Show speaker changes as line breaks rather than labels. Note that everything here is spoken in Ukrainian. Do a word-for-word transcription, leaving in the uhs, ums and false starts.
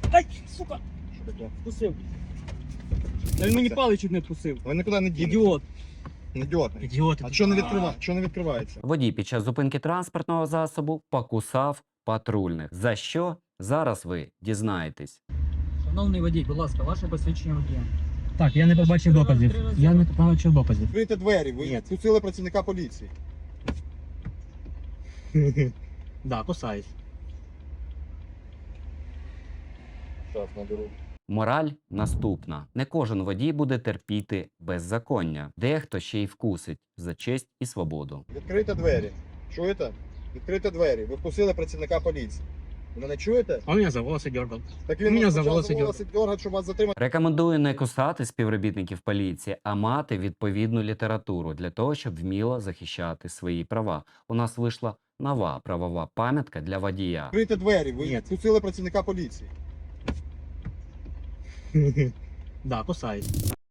Ай, сука,
Що таке?
вкусив. Та він мені паличок не вкусив.
Ви нікуди не дінете.
Ідіот.
Ідіот.
Ідіот.
А що не відкриває? Що не відкривається?
Водій під час зупинки транспортного засобу покусав патрульних. За що? Зараз ви дізнаєтесь.
Шановний водій, будь ласка, ваше посвідчення водія. Так, я не побачив доказів. Я не побачив доказів.
Відкрийте двері, ви
Ні.
впустили працівника поліції.
Да, кусаюсь.
Зараз наберу.
Мораль наступна. Не кожен водій буде терпіти беззаконня. Дехто ще й вкусить за честь і свободу.
Відкрийте двері. Чуєте? Відкрийте двері. Ви впустили працівника поліції. Ви мене чуєте?
Он меня за волосы дергал.
Так
Мене
вас
за
почав
волоси
волоси дергати, щоб вас затримати.
Рекомендую не кусати співробітників поліції, а мати відповідну літературу для того, щоб вміло захищати свої права. У нас вийшла нова правова пам'ятка для водія.
Відкрийте двері, ви
Ні.
впустили працівника поліції.
Да, кусаюсь.